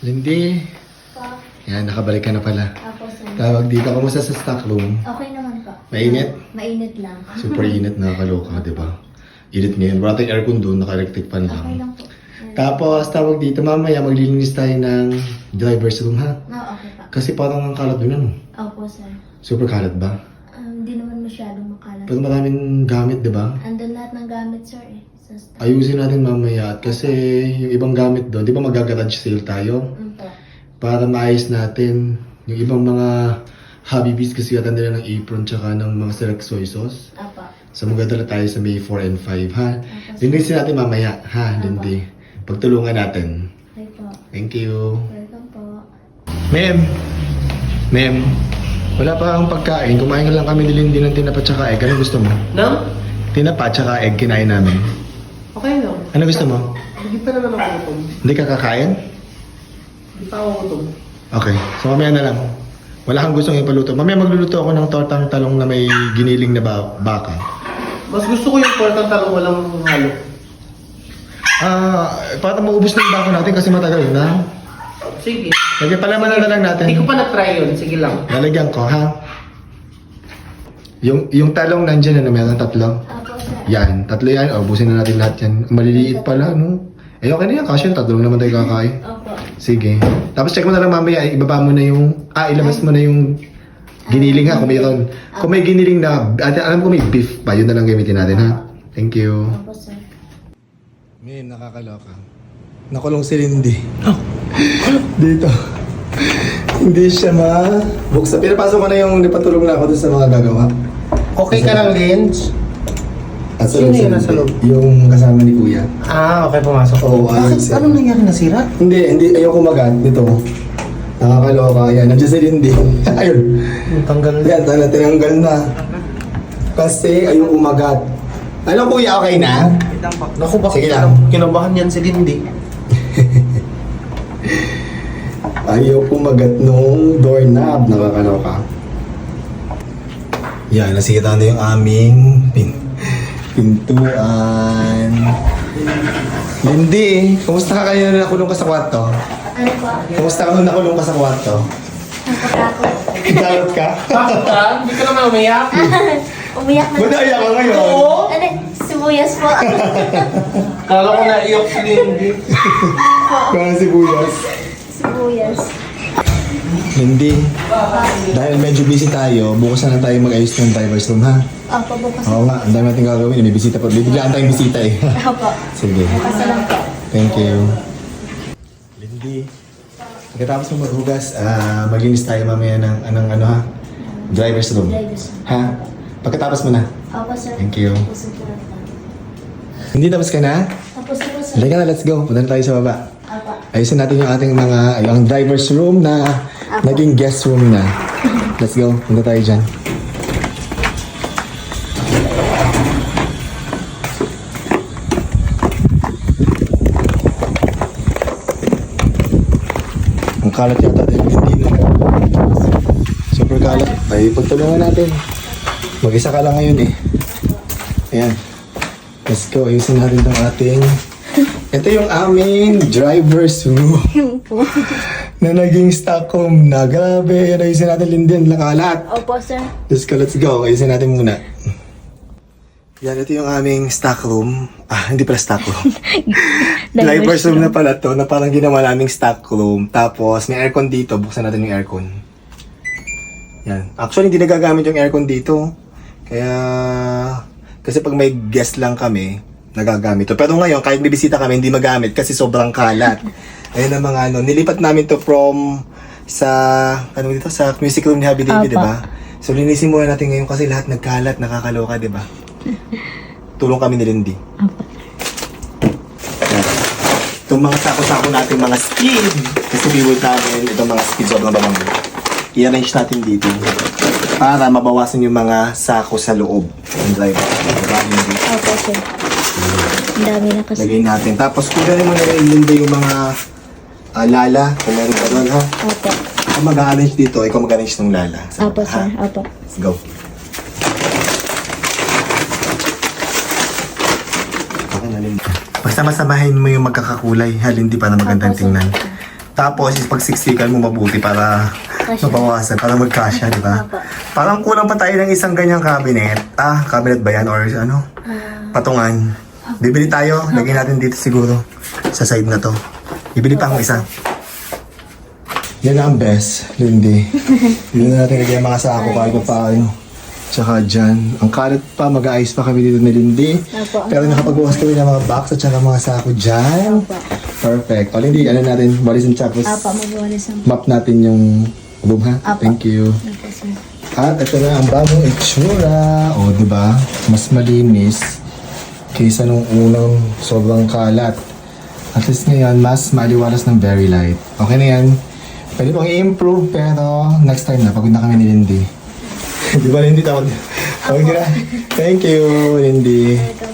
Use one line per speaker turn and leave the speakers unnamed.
Lindy.
Pa.
Yan, nakabalik ka na pala.
Ako, sir.
Tawag dito, kamusta sa stock room?
Okay naman po.
Mainit?
Mainit lang.
Super init, nakakaloka, di ba? Init ngayon. Wala tayong aircon doon, naka-electric fan
Okay
lang.
lang po.
Tapos, tawag dito, mamaya maglilinis tayo ng driver's room, ha?
No, okay pa.
Kasi parang ang kalat doon, ano?
Opo, sir.
Super kalat ba?
Hindi naman masyadong makalat.
Pero maraming gamit, di ba?
Andun lahat ng gamit, sir, eh. Sa stock.
Ayusin natin mamaya. At kasi yung ibang gamit doon, di ba mag-garage sale tayo?
Po.
Para maayos natin yung ibang mga Habibis kasi yata nila ng apron tsaka ng mga select soy sauce.
Apa.
So magdadala tayo sa May 4 and 5, ha?
Apa.
Linisin natin mamaya, ha, Lindy? Pagtulungan natin.
Okay po.
Thank you.
Welcome po.
Ma'am, wala pa akong pagkain. Kumain lang kami ni Lindy ng tinapa tsaka egg. Ano gusto mo?
No?
Tinapa tsaka egg kinain namin.
Okay lang.
Ano gusto mo?
Hindi pa naman ako gutom.
Hindi ka kakain?
Hindi pa ako gutom.
Okay, so mamaya na lang. Wala kang gustong ipaluto. Mamaya magluluto ako ng tortang talong na may giniling na baka.
Mas gusto ko yung portang talong walang halo.
Para maubos na yung bako natin kasi matagal na.
Sige.
Lagyan palaman na lang natin.
Hindi ko pa na-try yun. Sige lang.
Lalagyan ko, ha? Yung talong nandyan, ano, meron tatlo.
Apo, sir.
Yan, tatlo yan. O, ubusin na natin lahat yan. Maliliit pala, no? Eh, okay na yan. Kasi yung tatlong naman tayo kakain.
Opo.
Sige. Tapos check mo na lang mamaya. Ibaba mo na yung... ilabas mo na yung giniling, ha? Kung mayroon. Kung may giniling na... alam ko may beef pa. Yun na lang gamitin natin, ha? Thank you.
Opo, sir.
Ma'am, nakakaloka. Nakulong si Lindy. Dito. Hindi siya buksan. Pinapasok ko na yung napatulong na ako dun sa mga gagawa.
Okay ka lang, Lens?
At
Sino yun nasa loob?
Yung kasama ni Kuya.
Okay, pumasok.
Oo,
Bakit?
ayun.
Anong nangyari? Nasira?
Hindi. Ayoko magat. Dito. Nakakaloka. Yan. Nandiyan si Lindy. Ayun.
Tanggal na.
Yan. Tinanggal na. Kasi ayoko magat. Ano Kuya, okay na?
Naku, bakit
Sige lang.
kinabahan yan si Lindy?
Ayaw kumagat nung doorknob. Nakakaloka. Yan, nasira na yung aming pintuan. Lindy, kumusta ka kayo na nakulong ka sa kwarto?
Ano po?
Kumusta ka nung nakulong ka sa kwarto?
Napakako.
Galot ka?
Bakit ka? Hindi ka naman umiyak?
Umiyak na.
Ba't naiyak ka ngayon?
Oo.
Ano? Sibuyas po.
Kala ko naiyak si Lindy.
Kaya sibuyas.
Sibuyas.
Lindy, dahil medyo busy tayo, bukas na lang tayo mag-ayos ng driver's room, ha?
Opo, bukas.
Oo nga, ang dami natin gagawin. May bisita pa. Bibiglaan tayong bisita eh.
Opo.
Sige.
Bukas na lang po.
Thank you. Lindy, pagkatapos mo maghugas, maglinis tayo mamaya ng ha? Driver's room.
Drivers.
Ha? Pagkatapos mo na.
Opo, sir.
Thank you.
Tapos na po.
Hindi, tapos ka na?
Tapos na po, sir.
Halika na, let's go. Punta na tayo sa baba.
Opo.
Ayusin natin yung ating yung driver's room na naging guest room na. Let's go. Punta tayo dyan. Ang kalat yata tayo hindi na. Super kalat. Ay, pagtulungan natin. Mag-isa ka lang ngayon eh. Ayan. Let's go. Ayusin natin itong ating... Ito yung aming driver's room na naging Stockholm na. Grabe. Yan, ayusin natin Linden. Lakalat.
Opo, sir.
Let's go. Ayusin natin muna. Yan, ito yung aming stock room. Hindi pala stock room. Driver's room na pala to, na parang ginawa naming stock room. Tapos, may aircon dito. Buksan natin yung aircon. Yan. Actually, hindi nagagamit yung aircon dito. Kaya, kasi pag may guest lang kami, nagagamit to. Pero ngayon, kahit may bisita kami, hindi magamit kasi sobrang kalat. Ayun ang mga nilipat namin to from sa music room ni Happy David, di ba? So, linisin muna natin ngayon kasi lahat nagkalat, nakakaloka, di ba? Tulong kami ni Lindy.
Opo.
Itong mga sako-sako natin, mga skid. Kasi biwag namin itong mga skid sobrang bango. I-arrange natin dito para mabawasan yung mga sako sa loob ng driver. Diba, Lindy?
Opo, sir. Ang dami na kasi.
Lagay natin. Tapos kung gano'n mo na Lindy yung mga lala, kung meron ka doon, ha?
Opo.
Kung mag-arrange dito, ikaw mag-arrange ng lala.
Opo, sir. Opo.
Let's go. Okay na, Lindy. Basta masamahin mo yung magkakakulay, ha, Lindy, para magandang
Opo, sir.
tingnan. Tapos, pagsiksikan mo mabuti para mabawasan, para magkasya, di ba?
Opo.
Parang kulang pa tayo ng isang ganyang cabinet. Cabinet ba yan? Or ano? Patungan. Bibili tayo. Lagyan natin dito siguro. Sa side na to. Bibili pa akong isa. Yan ang best, Lindy. Dito na natin lagyan mga sako kahit pa paano. Tsaka dyan. Ang kalat pa, mag-aayos pa kami dito ni Lindy.
Opo.
Pero nakapagbukas kami ng mga box at tsaka mga sako dyan.
Opo.
Perfect. O Lindy, ano natin? Walisin tapos
Opo, magwalis ang...
map natin yung room ha.
Apo.
Thank you.
Opo, sir.
At ito na ang bagong itsura. O, di ba? Mas malinis kaysa nung unang sobrang kalat. At least ngayon, mas maliwalas ng very light. Okay na yan. Pwede pang i-improve, pero next time na, pagod na kami ni Lindy. Di ba, Lindy? Tawag na. Thank you, Lindy.